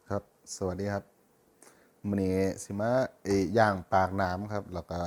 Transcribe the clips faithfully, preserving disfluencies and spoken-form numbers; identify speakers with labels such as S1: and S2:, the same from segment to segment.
S1: ครับสวัสดีครับมื้อนี้สิมาเอ้ย่างปากน้ำครับแล้วก็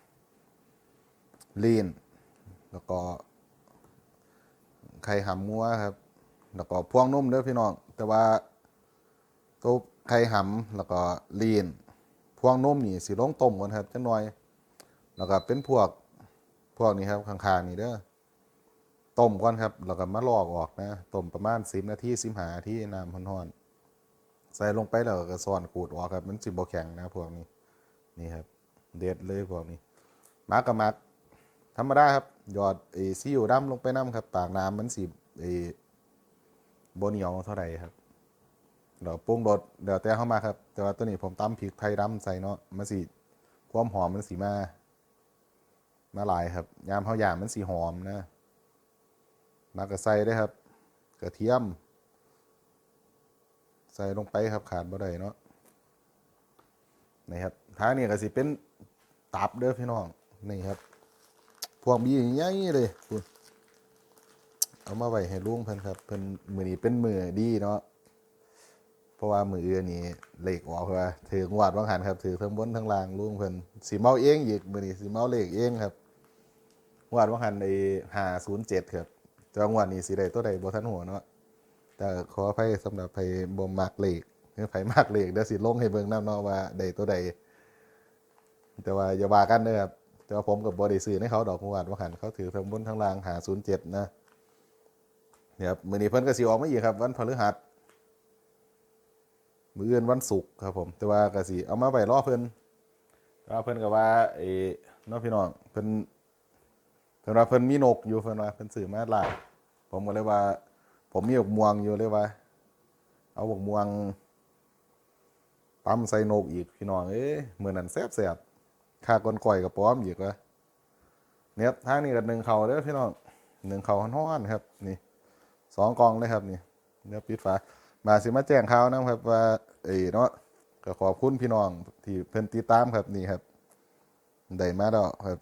S1: ลีนแล้วก็ไข่หำงัวครับแล้วก็พวงนุ่มเด้อพี่น้องแต่ว่าตัวไข่หำแล้วก็ลีนพวงนุ่มนี่สิลงต้มก่อนครับจังหน่อยแล้วก็เป็นพวกพวกนี้ครับข้างๆนี่เด้อต้มก่อนครับแล้วก็มาลอกออกนะต้มประมาณสิบนาทีสิบห้านาทีน้ำร้อนๆใส่ลงไปแล้วก็ซ่อนขูดออกครับมันสิบ่แข็งนะพวกนี้นี่ครับเด็ดเลยพวกนี้มักกับมักธรรมดาครับหยอดไอ้ซีอิ๊วดำลงไปน้ำครับปากน้ำมันสิไอ้บ่เหนียวเท่าไหร่ครับเดี๋ยวปรุงรสเดี๋ยวแต่เข้ามาครับแต่ว่าตัวนี้ผมตำพริกไทยดำใส่เนาะมันสิความหอมมันสีมามาหลายครับยามเขาย่างมันสีหอมนะมักกะใส่ได้ครับกระเทียมใส่ลงไปครับขาดบ่ได้เนาะนี่ครับท้ายนี่ก็สิเป็นตับเด้อพี่น้องนี่ครับพวกบีใหญ่เลยคุณเอามาไว้ให้ลุงเพิ่นครับเพิ่นมือนี้เป็นมือดีเนาะเพราะว่ามืออื่นนี่เลขออกว่าถืองวดวังหันครับถือทั้งบนทั้งล่างลุงเพิ่นสิเมาเองอีกมือนี้สิเมาเลขเองครับงวดวังหันในห้าศูนย์เจ็ดครับจังหวัดนี้สิได้ตัวใดบ่ทันหัวเนาะแต่ขออภัยสำหรับไผบ่มักเลขหรือไผมักเลขเดี๋ยวสิลงให้เบิ่งนำเนาะว่าได้ตัวใดแต่ว่าอย่าว่ากันเด้อครับแต่ว่าผมกับ่ได้ซื้อให้เขาดอกงวดวังหันเขาถือทั้งบนทั้งล่างห้าศูนย์เจ็ดนะเนี่ยครับมื้อนี้เพิ่นก็สิออกมาอีกครับวันพฤหัสมื้ออื่นวันศุกร์ครับผมแต่ว่าก็สิเอามาไว้รอเพิ่นแต่ว่าเพิ่นก็ว่าไอ้น้องพี่น้องเพิ่นเพิ่นว่าเพิ่นมีนกอยู่เพิ่นว่าเพิ่นซื้อมาหลายผมก็เลยว่าผมมีบกม่วงอยู่เลยว่าเอาบกม่วงตำใส่นกอีกพี่น้องเอ้ยมื้อนั้นแซ่บๆค่าก้นก้อยกับป้อมอีกว่าเนี่ยทางนี้ก็นึ่งข้าวเด้อพี่น้องนึ่งข้าวฮ้อนๆครับนี่สองกล่องเลยครับนี่เดี๋ยวปิดฝามาสิมาแจ้งข่าวนะครับว่าเอ้เนาะก็ขอบคุณพี่น้องที่เพิ่นติดตามครับนี่ครับได้มาแล้วครับ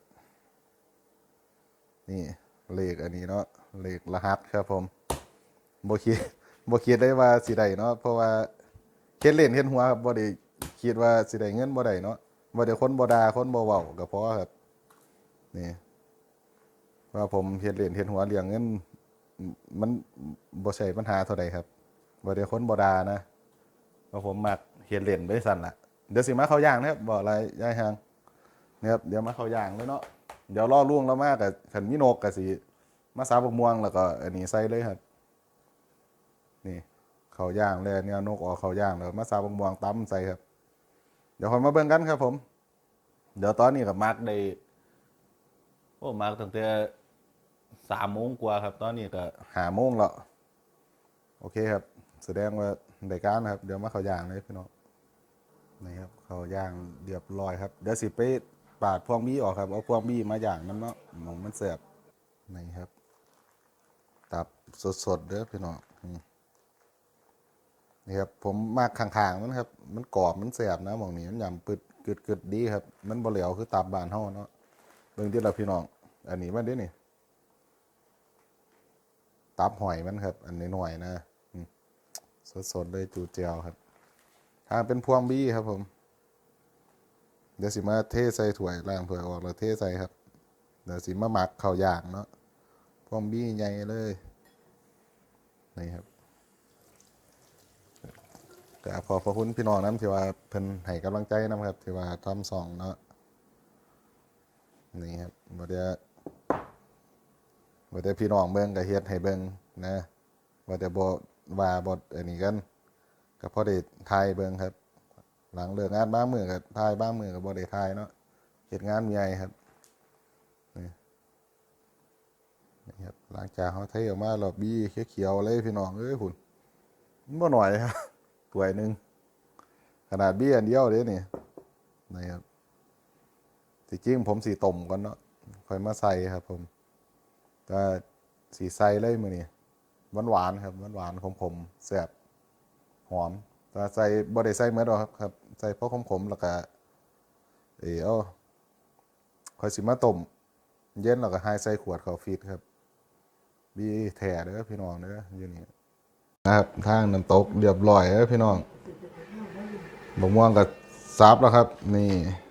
S1: นี่เลขอันนี้เนาะเลขรหัสครับผมบ่คิดบ่คิดได้ว่าสิได้เนาะเพราะว่าเฮ็ดเล่นเฮ็ดหัวครับบ่ได้คิดว่าสิได้เงินบ่ได้เนาะบ่ได้คนบ่ด่าคนบ่เว้าก็พอครับนี่ว่าผมเฮ็ดเล่นเฮ็ดหัวเรื่องเงินมันบ่ใช่ปัญหาเท่าใดครับบ่ได้คนบ่ด่านะเพราะผมมักเฮ็ดเล่นไปสั่นล่ะเดี๋ยวสิมาเข้าย่างนะครับบ่อะไรยายหางนะครับเดี๋ยวมาเข้าย่างเลยเนาะเดี๋ยวรอลุงแล้วมาก็คันมีนกก็สิมาสาบกม่วงแล้วก็อันนี้ใส่เลยครับนี่เข้าย่างแล้วเนี่ยนกออกเข้าย่างแล้วมาสาบกม่วงตำใส่ครับเดี๋ยวค่อยมาเบิ่งกันครับผมเดี๋ยวตอนนี้ก็มักได้โอ้มักตั้งแต่สามโมงกว่าครับตอนนี้ก็ห้าโมงแล้วโอเคครับแสดงว่าได้การครับเดี๋ยวมาเข้าย่างเลยพี่น้องนี่ครับเข้าย่างเรียบร้อยครับเดี๋ยวสิไปปาดพวงบี้ออกครับเอาพวงบี้มาย่างน้ำเนาะหมองมันแซ่บนี่ครับตับสดๆเด้อพี่น้องนี่ครับผมมากข้างๆมันครับมันกรอบมันแซ่บนะหมองนี้มันยำปึดกึดๆดีครับมันบ่เหลวคือตับบ้านเฮาเนาะเบิ่งที่เราพี่น้องอันนี้มันเด้นี่ตับหอยมันครับอันนี้หน่อยนะสดๆเลยจูเจียวครับถ้าเป็นพวงบี้ครับผมเดี๋ยวสิมาเทใส่ถ้วยล้างถ้วยออกแล้วเทใส่ครับเดี๋ยวสิมาหมักข้าวย่างเนาะพวงบี้ใหญ่เลยนี่ครับแต่ขอขอบคุณพี่น้องน้ำที่ว่าเพิ่นให้กำลังใจน้ำครับที่ว่าทำสองเนาะนี่ครับบ่ได้บ่ได้พี่น้องเบิ่งก็เฮ็ดให้เบิ่งนะบ่ได้บ่ว่าบ่อันนี้กันก็พอได้ถ่ายเบิ่งครับหลังเลิกงานบ้างมื้อก็ถ่ายบ้างมื้อก็บ่ได้ถ่ายเนาะเฮ็ดงานใหญ่ครับนี่นี่ครับหลังจากเฮาเทออกมาแล้วบี้เขียวๆเลยพี่น้องเอ้ยพุ่นมันบ่น้อยครับถ้วยนึงขนาดบี้อันเดียวเด้นี่นะครับที่จริงผมสิต้มก่อนเนาะค่อยมาใส่ครับผมก็สีใส่เลยมื้อนี้หวานๆครับหวานๆขมๆแซ่บหอมแต่ใส่บ่ได้ใส่เหมือนดอกครับครับใส่พอขมๆแล้วก็เออเอาค่อยสิมาต้มเย็นแล้วก็ให้ใส่ขวดเข้าฟรีซครับบีแท้เด้อพี่น้องเด้ออยู่นี่นะครับทางน้ำตกเรียบร้อยเด้อพี่น้องบกม่วงกับซับแล้วครับ นี่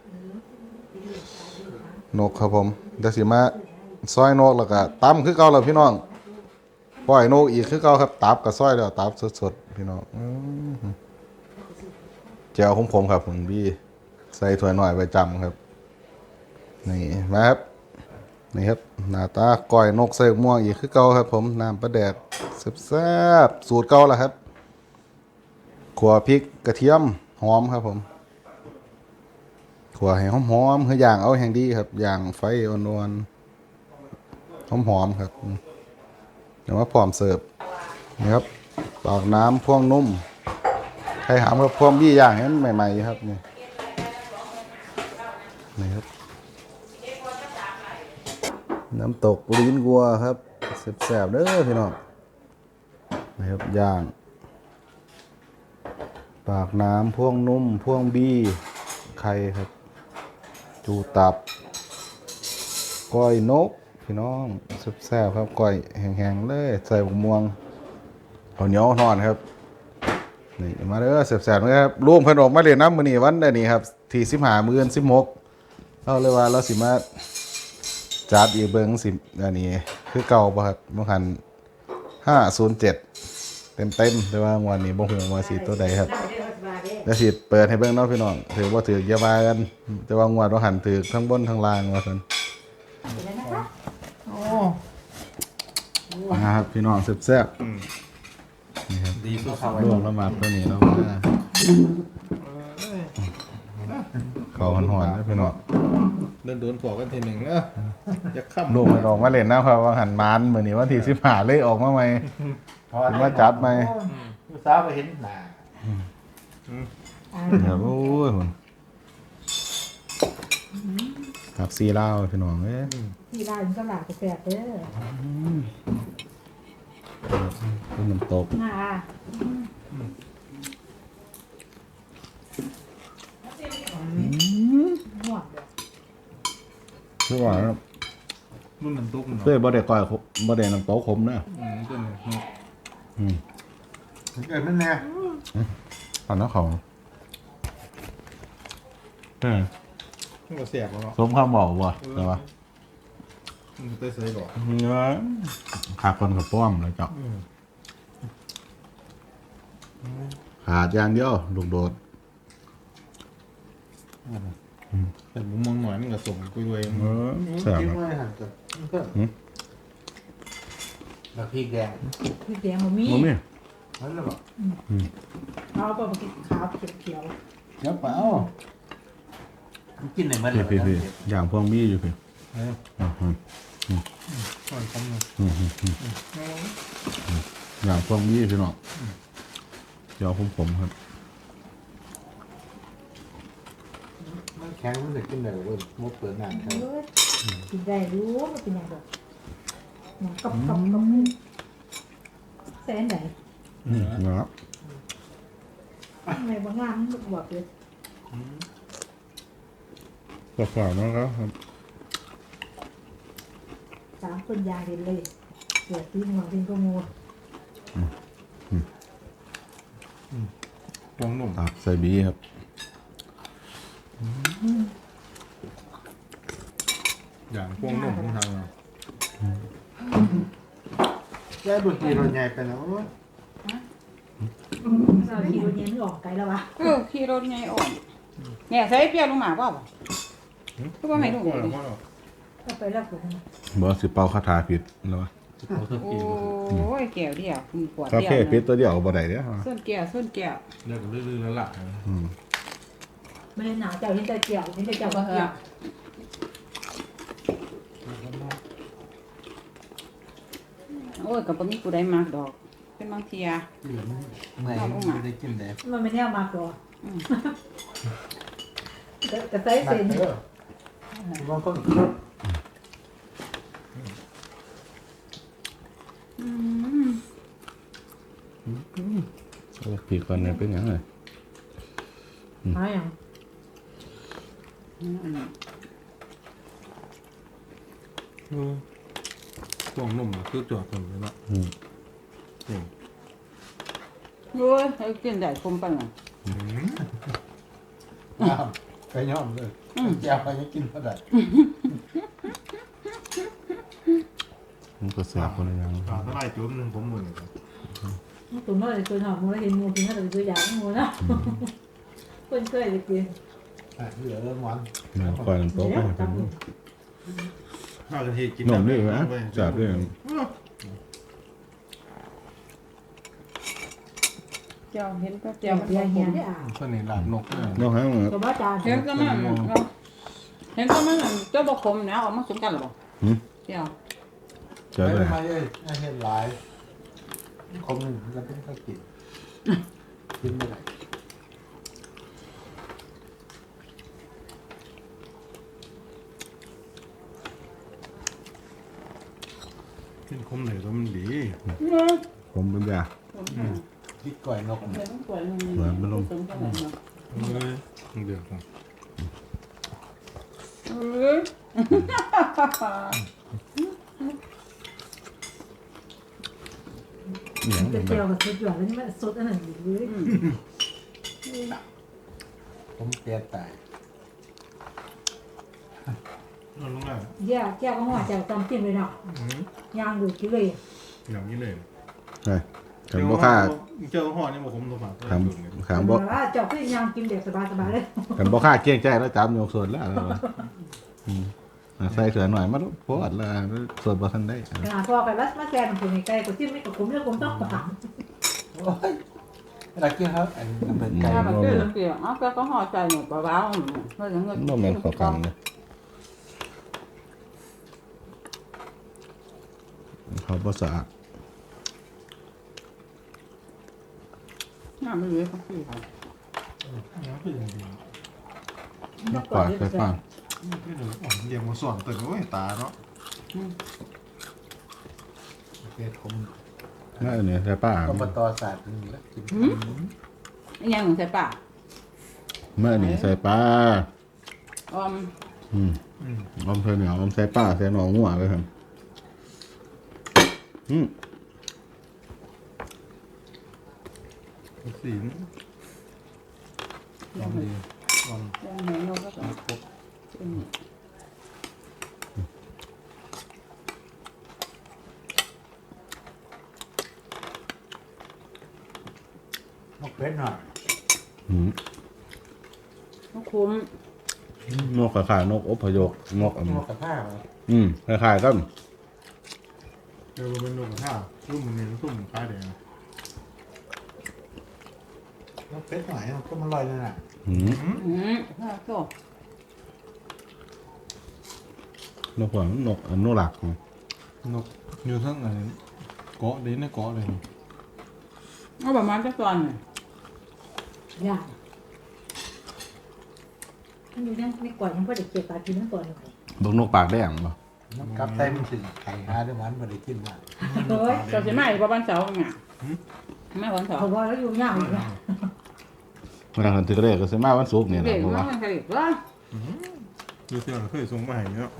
S1: นกครับผมเดี๋ยวสิมาซอยนกแล้วก็ตำคือเก่าแล้วพี่น้องปล่อยนกอีกคือเก่าครับตับกับซอยแล้วตับสดๆพี่น้องอื้อหือแจ่วของผมครับผมพี่ใส่ถ้วยหน่อยไว้จำครับ นี่มาครับนี่ครับหน้าตาก้อยนกใส่หมกม่วงอีกคือเก่าครับ ผมน้ำปลาแดกแซ่บๆสูตรเก่าแล้วครับขัวพริกกระเทียมหอมครับผมขัวให้หอมๆคืออย่างเอาแห่งดีครับอย่างไฟอ่อนๆหอมๆครับเดี๋ยวมาพร้อมเสิร์ฟนี่ครับปากน้ำพ่วงนุ่มไข่หามกับพ่วงบี้ย่างให้มันใหม่ๆครับนี่นี่ครับน้ำตกลิ้นวัวครับแซ่บๆเด้อพี่น้องนี่ครับย่างปากน้ำพ่วงนุ่มพ่วงบี้ไข่ครับจูตับก้อยนกพี่น้องแซ่บๆครับก้อยแห้งๆเลยใส่บกม่วงเอาเหนียวนอนครับนี่มาเด้อแซ่บๆนะครับร่วมเพิ่นออกมาเล่นน้ำมื้อนี้วันนี้ครับที่สิบห้ามื้อสิบหกเอาเลยว่าเราสิมาจัดอีกเบิ่งสิอันนี้คือเก่าบ่ครับบ่หันห้าศูนย์เจ็ดเต็มๆแต่ว่างวันนี้บ่ฮู้ว่าสิตัวใดครับแล้วสิเปิดให้เบิ่งเนาะพี่น้องถือบ่ถืออย่าว่ากันแต่ว่างวดบ่หันถือทั้งบนทั้งล่างว่าซั่นนะครับพี่น้องแซ่บๆนี่ครับ
S2: ดีสุดเขา
S1: รวมละหมาดตัวนี้เนาะเขาหอนๆนะพี่น้อง
S2: เดินโดนปอกกันทีหนึ่งเออจะข้าม
S1: ลูกมันออกมาเล่นนะครับว่าหันมานมื้อนี้วันที่สิบห้าเลยออกมาใหม่มาจัดใหม่
S2: สาวไปเห็นหนา
S1: ครับโอ้ยหุ่นครับซีเหล้าพี่น้องเอ้ย
S3: ที่ร้านก็หลากแสบเด้อ
S1: เป็นน้ำตก
S3: น่าหวานเด้อ
S1: คือว่าครับ
S2: รุ่นน้ำตุ๊ก
S1: เคยบ่ได้ก้อยขมบ่ได้น้ำตกขมนะ
S2: อืมตัวนี้
S1: อืม
S2: เกิดมันแน่
S1: ตอนนั้นเขาเออ
S2: มันก็เสียบแล้วเนาะ
S1: สมคำบอกว่ะแต่ว่า
S2: มันเตยใส่ก่อน
S1: เนื้อขาดคนกับป้อมเลยจ้ะขาดอย่างเดียวลูกโดด
S2: แต่มุมมองหน่อยมันก็ส่งกุยเวง
S1: เออแซ่บ
S2: จิ้ม
S1: อะ
S2: ไว้หันกันแล้วพริกแดง
S3: พี่แดงบ่มี
S1: บ่มี
S2: นั่นแหละบอก
S3: เอาไปกินขาวเขียว
S2: เดี๋ยวเปล่ากินไหนมา
S1: พี่
S2: เดี๋ยว
S1: พี่พี่อย่างพวงมีอยู่พี่
S2: เออ
S1: อืมอืม
S2: มันคำนึง
S1: อืมอืมอืมอย่างพวงมีพี่น้องเดี๋ยวผมผมครับ
S2: มันแข็งมันจะกินได้เว้ยมุกเปิดหนัง
S3: ๆ
S2: ครับ
S3: เอ้ยกินได้รู้ว่าเป็นยังไงหนังกับกับกับแสนไหน
S1: นะครับ
S3: ทำไมบางงานมันบวกเลย
S1: ก็ฝากนะครับ
S3: สามคนยางเห็นเลยเสือตีหัวเป็นกงู
S2: ฟองนุ่ม
S1: ตับใส่บีครับ
S2: อย่างฟองนุ่มของทางเราแย่ดุดดีรถใหญ่ไปแล้ว
S3: เราขี่รถเย็นไม่ออกไกลแล้ววะ
S4: เออขี่รถไงอ่อนเนี่ยใส่เปรี้ยวลงมาเปล่าบ่ก็ว่าไม่รู้
S2: ก็
S4: ดิ
S3: ก็ไปแล้วผม
S1: บอสสิเป่าคาถาผิดแล้ววะ
S4: โอ้ยแก้วเดียวคุณปวด
S1: คา
S4: เดียว
S1: เฟ่ผิดตัวเดียวบ่ได้เด้อ
S4: ส้นแก้วส้นแก้ว
S2: เลิกลื่นๆแล้วล่ะ
S1: อืม
S3: ไม่ได้หนาวเจ้าเห็นแต่เกี่ยวเห็นแต่เจ้า
S4: ก็
S3: ก็
S4: เฮ
S3: เกี่ยว
S4: โอ้ยกับบ่มีผู้ใดมากดอก เป็นบางเทีย
S2: เมื่อยไม่ได้กินเลย
S3: มันไม่แน่มากกว่าแต่ใส่เส้น
S2: บางคน
S4: อืม
S1: โอ้ผิดก่อนเนี่ยเป็นหยังไง
S3: หาอย่าง
S4: อันนี้
S2: ฟองนุ่มคือจอดผมเลยละ
S1: อืม
S4: โอ้ยให้กินได้คมปานนั้น
S2: น้ำไปย่อมเลยแก้วไปยังกินเท่าไหร่
S1: มันก็เสียคนละอย่าง
S5: ปลาเท่าไรจุ่มหนึ่งผมหมื่นครับ
S3: ตัวน้อยตัวหน่อยมูแล้วเห็นมูกินแล้วตัวใหญ่มูนะคนเคยเลยกิน
S2: เหลือเริ่มวัน
S1: มันคอยโต๊ะไปให้เพิ่นดู
S5: ข้าวกะทิกิน
S1: นมนี่ไหมจับด้วย
S4: เจ้าเห็นก็
S3: เจีย
S4: เจ้าว มัน
S3: เจียว
S4: ผ
S3: เหี้ย
S4: ม
S3: ได้อ่ะ
S2: ส่วนนี้หลานนกเนี่ย
S1: น้องหางมัน
S3: ตัวบ้าจาน
S4: เห็นก็มันเห็นก็มันเจ้าบกคมนะออกมาสมกันหรอเปล่า
S1: หืม
S4: เจ้า
S1: เจอเลย
S2: ไม่ได้ไม่เห็นหลายคงจะเป็นข้าวกินกินไม่ได้
S5: กินคมเหลยก็มันดี
S1: ผมเป็นยา
S2: กินก่อยนก
S4: เห็นต้องป่วยมันสมกันหรอ
S5: เอ้ยเดือดครับ
S4: เอ้ย
S1: เนี่ย
S3: จะเจียวกับสุดหยอดแล้วนี่มันสดอันนั้นอยู่เลย
S2: ผมเตี้ยตาย
S5: นอนลงได้
S3: เจียวเจียวก็ห่อเจียวตำจิ้มเลยเนาะย่างดูกินเลย
S5: อย่างนี้เลย
S1: ใช่ขันบ่ค่า
S5: เจอห่อนี่บอกผมตัวฝาก
S1: ขันขันบ่
S3: ว่าเจ้าก็ย่างกินแบบสบายๆเลย
S1: ขันบ่ค่าเกี้ยงใจแล้วจับยกส่วนแล้วเราอืมอ่ะใส่เสือหน่อยมาโพดละส่วนบ่ทันได้
S3: ขนาดพอไปวัดมาแซนของคนใกล้ก็จิ้มไม่กับผมแล้วผมต้องปาก
S2: โอ้ยเวลากินครับอันน้ำเป็นไก่
S4: ถ้าแบบเจ้าเกี่ยวอ๋อแกก็ห่อใจหนูเบาๆเพื่อจะเงิน
S1: บ่แม่นเข้ากันเลยเขาบ่สะอาด
S4: น้ำไม่เลยครับพี่ครับ
S5: น้ำเป็นอย่างดี
S1: นักปลาใส่ปลา
S5: ไม่เลยอ่อนเดี๋ยวมาสอนตื่นโอ้ยตาเนาะ
S2: เตี้ยผม
S1: น่าเนี่ยใส่ปลา
S2: อบตศาสตร์นี่แล้วกิน
S4: ยังใส่ปาก
S1: เมื่อนี่ใส่ปลา
S4: ออม
S1: อืมอมใส่เหนียวอมใส่ปลาใส่หนองหัวไปครับอืม
S5: สีนลองดีลอง
S4: ยังเห็นนกก็ต้อง
S2: นกเป็ดหน่อย
S1: อืม
S4: นกคุ้ม
S1: นกขายๆนกอพยพนกอัน
S2: นกกระทาเลย
S1: อืมคล้ายๆกัน
S5: เจอเป็นนกกระทารุ่มมันเนี่ยรุ่มคล้ายแดง
S2: นกเป็ดหน่อยก็มันลอยเลยน่ะ
S1: อืม
S4: อืมถ้าโต
S1: นกหัวนกอนุรักษ์
S5: นกอยู่ทั้งไหนเกาะดีในเกาะเลย
S4: เอาประมาณจะตอนหน่อย
S3: ย่างมันอยู่ในก่อนมันก็จะเก็บปลากินนั่นก่อนหน่อย
S1: บกนกปากแดงป่ะ
S2: นกกับเต็มสิไข่หาด้วยมันไม่ได้กินมา
S3: เฮ้ย
S4: เจ้าสิมาอีกประมาณเสาร์ไงไม่วันเสาร์
S3: เขาบอกแล้วอยู่ย่างเลยนะ
S1: เวลาคันติกระเรกก็สิมาวันศุกร์นี่แห
S4: เด็
S1: ละ
S4: ก
S1: เพราะ
S4: ว่า
S1: ว่า
S4: มันผลิตว่า
S5: ดูเสื้อเคยส่งมาให้เนาะ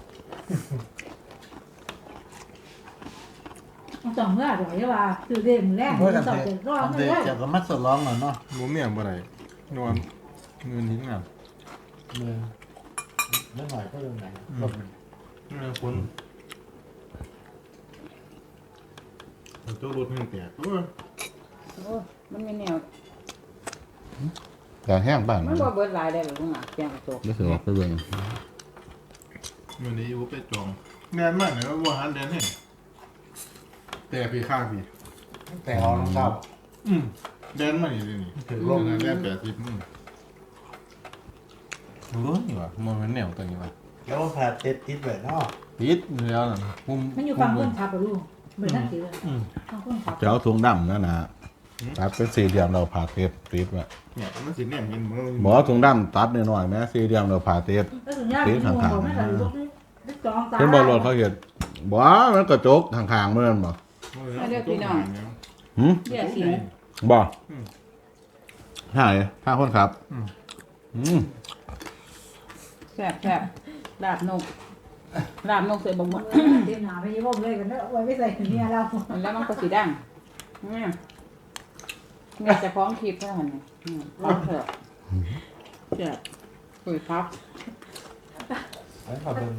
S3: ต้องสองเมื่อเดี๋ยวจะว่าคือเด่นแรก
S2: เมื่อ
S3: มัน
S2: กัน
S3: สอบ
S2: เด็
S3: เจ็ดรอบ
S2: ก
S3: ไม่
S2: เด็ก
S3: ได้
S2: จะก็มัดสดร้องหน่อยเนาะ
S5: บ่เมียบ่ได้นอนเงินทิ้งอ่ะ
S2: มือเมื่อหน่อยก็เรื่องไหนก็มัน
S5: นี่คนเจ้ารถแห่งแตกตัว
S4: โอ้มันมีแนว
S1: แต่แห้งบ้าน
S4: มันบ่เบิดหลายได้หรือเปล่าแกงตก
S1: รู้สึกว่าไปเบิ่ง
S5: มันนี้อยู่ไปจองแน่นมากเลยว่าหันเดินเห็นแต่พี่ข้างพี่
S2: แต่เอาน้องเก้า
S5: อืมเดินมานี่เลยนี่
S2: ถึง
S5: ล
S2: ล
S5: ง
S2: ง
S5: แน่แปดสิบอืมรู้นี่วะมันเป็นแนวตัวนี้วะ
S2: แล้วผ่าเต็ดติดแบบเนาะ
S5: ปิดแล้วนะมุม
S3: มันอยู่ฝั่งคนขับอะลูกเหมือนนักเสือ
S5: อืม
S3: ฝั่งคนขับ
S1: จะเอาถุงดำนั่นนะตัดเป็นสี่เหลี่ยมเราผ่าเทปติดไว้
S5: เนี่ยมันสิแนมเห็นมัน
S1: บอกว่าถุงดำตัดหน่อยๆแม้สี่เหลี่ยมเราผ่าเทป
S3: แล้วถึงยากที่มองบอกไม่ได้ลูกนี่จองตา
S1: เห็นบอลรถเขาเห็นบอกว่ามันกระจกข้างๆเมื่อนบอก หืม
S4: เดี๋ยวสิ
S1: บอกใช่ข้างคนครับอืม
S4: แซ่บแซ่บลาบนกลาบนกใส่บะหมี่
S3: เดี๋ยวหนาไปยี่ห้อเลยกันเนอะไว้ไม่ใส่เมียเรา
S4: แล้วมันก็สีดังเนี่ยเนี่ยจะพร้อมคลิปเท่านั้นเนี่ยพร้อมเถอะแซ่บคุยพัก
S2: แล้วเขาเดิน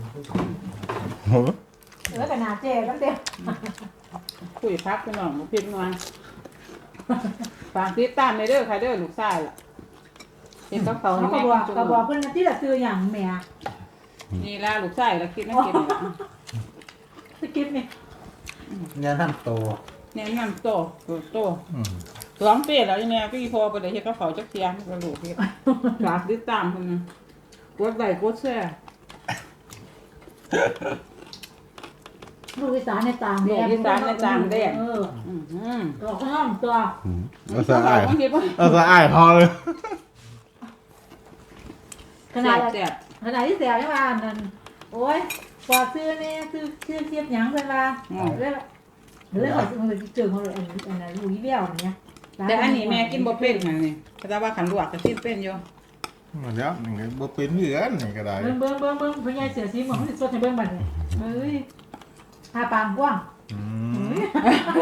S3: เออขนาดเจ๊ตั้งเดียว
S4: คุยพักพี่น้องบ่ผิดงานฝากติดตามในเด้อค่ะเด้อลูกชายล่ะเห็นกับเขา
S3: เขา
S4: ให้
S3: ก็
S4: แม่
S3: บอก
S4: กิน
S3: ก็
S4: จุ่ม
S3: บอกเพื่อนที่ละซื้ออย่างแม่
S4: นี่ล่ะลูกชายล่ะคิดนั่นกินนี่ล่ะ
S3: สกิปนี่
S2: เนี่ยน้ำโต
S4: เนี่ยงานโตโตร้องเปรี้ยแล้วอีแม่พี่พอไปได้เฮ็ดกับเขาจักเที่ยมันก็ลูกเฮ็ดฝากติดตามเพิ่นนะกดไลค์กดแชร์
S3: ลูกอีสานในต่างแดน
S4: ลูกอีสานในต่างแดน
S3: เออ
S4: อือหือ
S3: ตัวข้างนอกตัว
S1: เอาซะอ้าย
S4: บางทีบ่
S1: เอาซะอ้ายพอเลย
S3: ขนาด
S4: แซ่บ
S3: ขนาดที่เสียใช่ป่ะนั่นโอ้ยกว่าซื้อนี่ซื้อซื้อเทียบหยังเพิ่นว่าเรื่องเรื่องของมันเจอของอันอันนั้นลูกอีเบี้ยวอย่างเงี้ย
S4: ๆแต่อันนี้แม่กินบ่เป็นหั่นนี่แต่ว่าขันลวกก็กินเป็นอยู่
S5: มาแล้วนี่บ่เป็นเหมือนนี่ก็ได้
S3: เบิ่งเบิ่งเบิ่งเบิ่งพ่อใหญ่เสือสีหมองสิสดให้เบิ่งบัดนี้เฮ้ยทาปางกว้าง
S5: อื
S3: เฮ้
S5: ม
S3: ย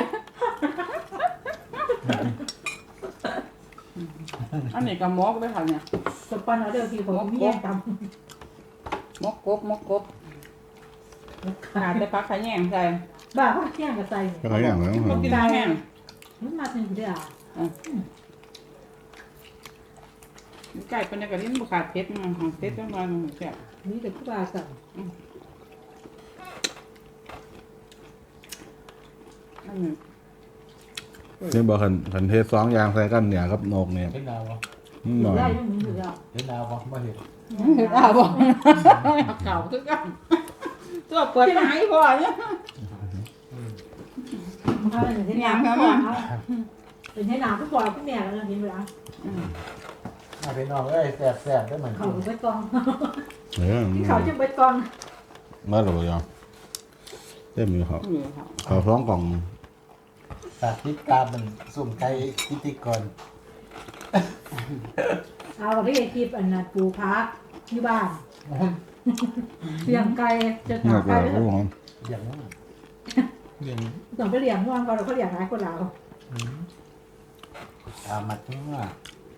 S4: อันนี้ก็หมกเลยค่ะเนี่ย
S3: สปันเอาเด้อพี่ผมมีแย่งตำ
S4: หมกกบหมกกบขาดแต่ผักขะแยงใส่
S3: บ้าเขาแย่งกับใส่
S1: ก็หลายอย่างแล้ว
S4: บ่กินแห้ง
S3: มันมาถึงเด้อ
S4: ไก่เป็นกระดิ่งบุขาดเพชรมันของเพชรจังหวะนึงแซ่บ
S3: นี่แต่ผู้บ่าวสั่ง
S4: อันนี้
S1: นี่บอกคันคันเทศสองอย่างใส่กันเนี่ยกับนกเนี่ย
S2: เห็นดาวบ่
S1: อืม
S3: อ
S1: หน่
S3: ยู่
S1: อย
S3: ได้ยังมีอยู่แล้ว
S2: เห็นดาวบ่ไม่เห็น
S4: เห็นอ้าวบ่เก่าคือกันตัวเปิดมาให้พ่อเนี่ย
S3: มันเขาเป็นที่น้ำเขาเป็นที่น้ำผู้บ่าวผู้แม่แล้วเห็นเวลา
S2: มาไปนอกเอ้ยแสบแสบได้เหมือน
S3: เขาไปกอง
S1: เออ
S3: ที่เขาจะไปกอง
S1: มาหรือยังเต็มอยู่ครับ
S4: นี่ค่ะ
S1: เขาท้องกล่อง
S2: ตาติดตามมันสุ่มไก่พิธีกร
S3: เอาไปคลิปอันนั้นปูพักที่บ้านเลี้ยงไก่จะ
S1: หนั
S3: ถาก ไก่
S1: แล้วรู้ของ
S2: อย่างนั้น
S5: อย่าง
S3: ต้องไปเลี้ยงว่างก่อนเราก็เลี้ยงหลายคนเรา
S2: ตามมาทั้งว่า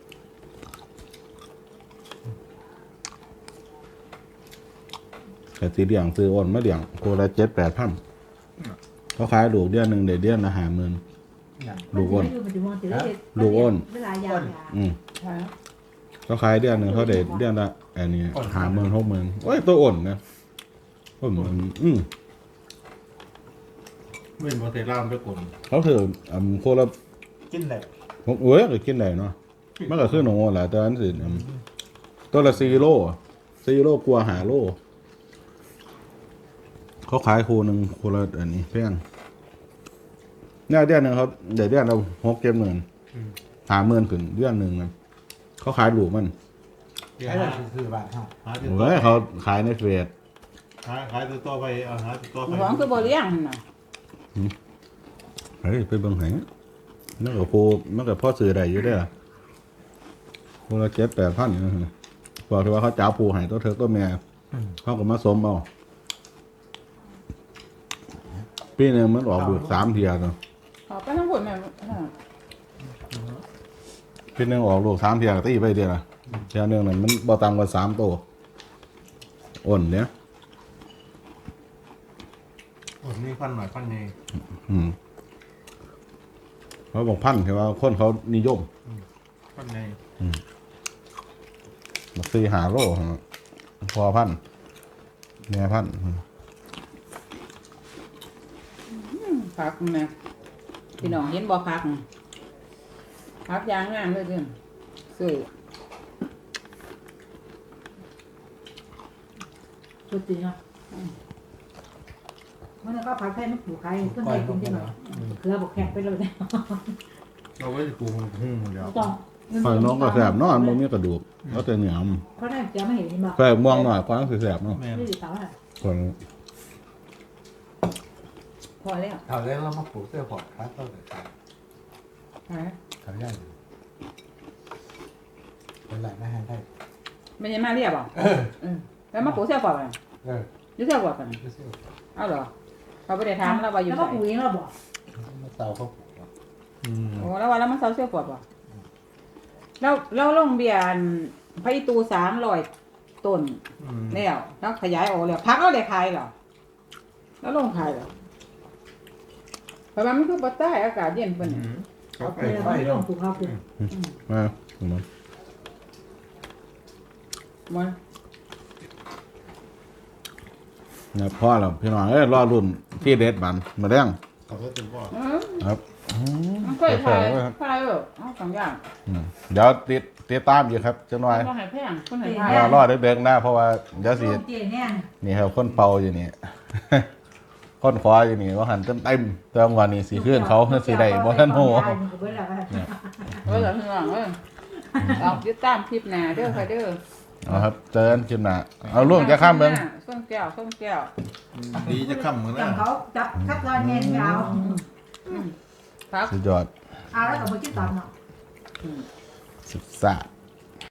S1: แต่สีเหลี่ยงซื้ออ่อนมาเหลี่ยงโคละเจ็ดแปดพันเขาขายลูกเดือนหนึ่งเดือนเดือนละห้าหมื่น
S2: อย่าง
S1: ลูกอ้น
S3: ลูกอ้นเวลายาว
S1: อืม
S4: ใช่
S1: เขาขายเดือนหนึ่งเขาได้เดือนละอันนี้ห้าหมื่นหกหมื่นโอ้ยตัวอ่อนนะโอ้ยมันอืม
S5: เว้นบ่ใส่ลามไปกลน
S1: เขาถืออ่าโคละ
S2: กินเลย
S1: ผมเอ้ยก็กินได้เนาะมันก็คือหนูแหละแต่อันสิอืมตัวละสี่โลสี่โลกลัวหาโลเขาขายคูหนึ่งคูละอันนี้เพียงเนี่ยเดือนหนึ่งเขาเดี๋ยวเดือนเราหกเจ็ดหมื่นหาหมื่นขึ้นเดือนหนึ่งนะเขาขายลูกมัน
S5: เดี๋ยว
S2: ไอ้
S5: หา
S2: เราซื้อบ้านเฮา
S5: หาติดต่อ
S1: เฮ้ยเขาขายในเฟซ
S5: หาขายติดต่อไปเอาหาติดต่อไป
S4: หวังคือบ่เลี้ยงหั่นน่ะ
S1: เฮ้ยไปเบิ่งไหนนั่นก็โคมันก็พ่อซื้อได้อยู่เด้อโคละเจ็ดแปดพันอยู่นะบอกที่ว่าเขาจ้าปูให้ตัวเธอตัวแม่เขาก็มาสมเอาปีหนึงมันออกลูกสามเทียเนาะ
S4: ขอไปทั้งหมดแม่อ่า
S1: ปีหนึงออกลูกสามเทียก็ตีไปเดียวละเทียหนึงนั่นมันบ่ต่ำกว่าสามโตอ่อนเนี่ย
S5: โอ้นี่พันหน่อยพันนี่
S1: อืมเขาบอกพันคือว่าคนเขานิยม
S5: พันใน
S1: บักซีหาโลพอพันแม่พัน
S4: ผักแม่พี่น้องเห็นบ่ผักผักยางงามเลยเด้อซื้อ
S3: สุดจริงอ่ะมันก็ผัดไทยมันผูกไข่เพื่อน
S2: ก้อ
S3: ให้
S2: ย
S3: กินได้หน่อยเกลือบอกแข็งไปเลยเนี่ย
S5: เราไว้จะปรุงหุ้งเดี๋ยว
S3: ต้อง
S1: ไฟน้องก็แสบเนอนมันมีกระดูกแล้วแต่เหนียว
S3: เพราะนั่นจะไม่เห็นเห็นบอก
S1: ไฟม่วงหน่อยกว่าสิแสบเนาะ
S5: แม่น
S3: ไม่ได้สาวอ่ะ
S1: คน
S4: พอแล้ว
S2: เขาเรียกเรามาปลูกเสื้อพอร์ตครับก็เลย
S4: ฮะ
S2: เขาย่างเป็นไรไม่ให้ได้
S4: ไม่ใช่มาเรียบบ่
S2: เออ
S4: เออแล้วมาปูเสื้อก่อน
S2: เออ
S4: อยู่เสื้อก่อน
S2: เสื้อ
S4: เอาเหรอเขาบ่ได้ถามเราว่าอยู่
S3: แล้ว
S4: ไส
S3: ก็ปุ๋ยเราบอก
S2: มาเตาเขาปลูก
S5: อืม
S4: โอ้แล้วว่าแล้วมันเซาเสื้อก่อนบ่แล้วแล้วลงเบียร์พระอีตูสามร้อยต้น
S5: อืม
S4: แล้วแล้วขยายออกแล้วพักเอาได้ขายเหรอแล้วลงขายเหรอเพราะว่ามันคือปัตใต้อากาศเย็นปะ
S5: อื
S4: เนี่ย
S5: มเขาไป
S3: เวลาเขาลงปลูกเขาปลูก
S1: มามา
S4: มัน
S1: เนี่ยพ่อเราพี่น้องเอ้ยรอรุ่นที่เด็ดบันมาเรื่อง
S5: เขาก็จะบอก
S4: อืม
S1: ครับ
S4: มันเคยขายขายเออเอาสองอย่าง
S1: อืมเดี๋ยวติดติดตามอยู่ครับจังหน่อย
S4: ก็ให้แพงคนไหนขาย
S1: รอรอเด็กๆหน้าเพราะว่าเดี๋ยวสิ
S3: ลูกเจเนี่ย
S1: นี่ครับคนเป่าอยู่นี่ คนคว้าอยู่นี่ว่าหันเต็มเต็มๆแต่วันนี้สีขึ้นเขาเพื่อสีใดบ่ทันโห
S4: เออเหรอพี่น้องเออออกยึดตามคลิปหน้าเด้อค่ะเด้อ
S1: เอาครับเจอกันคลิปหน้าเอาล่วงจะข้ามเบิ่ง
S4: ส้มแก้วส้มแก้ว
S5: ดีจะค่ำเหมือน
S3: จั
S5: นะ
S3: งเขาจับคัดลายเงินเอา
S4: ครับ
S1: สุดยอด
S3: เอาแล้วก็มาคิดตามเนาะ
S1: สุดซ่าด